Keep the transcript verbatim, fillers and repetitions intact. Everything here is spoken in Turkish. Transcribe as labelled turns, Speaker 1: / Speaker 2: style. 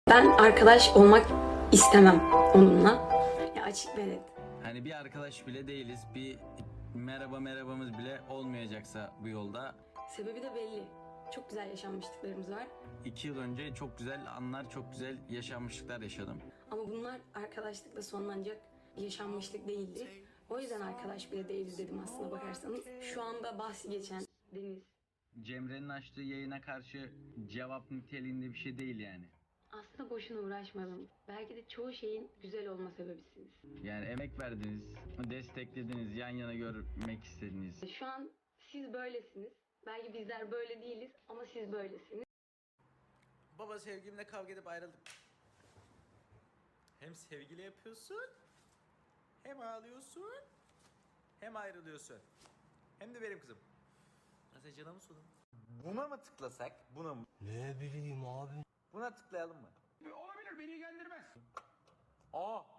Speaker 1: Ben arkadaş olmak istemem onunla. Ya açık ve net.
Speaker 2: Hani bir arkadaş bile değiliz. Bir merhaba merhabamız bile olmayacaksa bu yolda.
Speaker 1: Sebebi de belli. Çok güzel yaşanmışlıklarımız var.
Speaker 2: iki yıl önce çok güzel anlar, çok güzel yaşanmışlıklar yaşadım.
Speaker 1: Ama bunlar arkadaşlıkla sonlanacak yaşanmışlık değildi. O yüzden arkadaş bile değiliz dedim aslına bakarsanız. Şu anda bahsi geçen Deniz.
Speaker 2: Cemre'nin açtığı yayına karşı cevap niteliğinde bir şey değil yani.
Speaker 1: Aslında boşuna uğraşmadım. Belki de çoğu şeyin güzel olma sebebisiniz.
Speaker 2: Yani emek verdiniz, desteklediniz, yan yana görmek istediniz.
Speaker 1: Şu an siz böylesiniz. Belki bizler böyle değiliz ama siz böylesiniz.
Speaker 3: Baba sevgilimle kavga edip ayrıldım. Hem sevgili yapıyorsun, hem ağlıyorsun, hem ayrılıyorsun. Hem de benim kızım. Nasıl canımı sudun? Buna mı tıklasak? Buna mı?
Speaker 4: Ne bileyim abi.
Speaker 3: Buna tıklayalım mı?
Speaker 5: Olabilir, beni ilgilendirmez.
Speaker 3: Aa!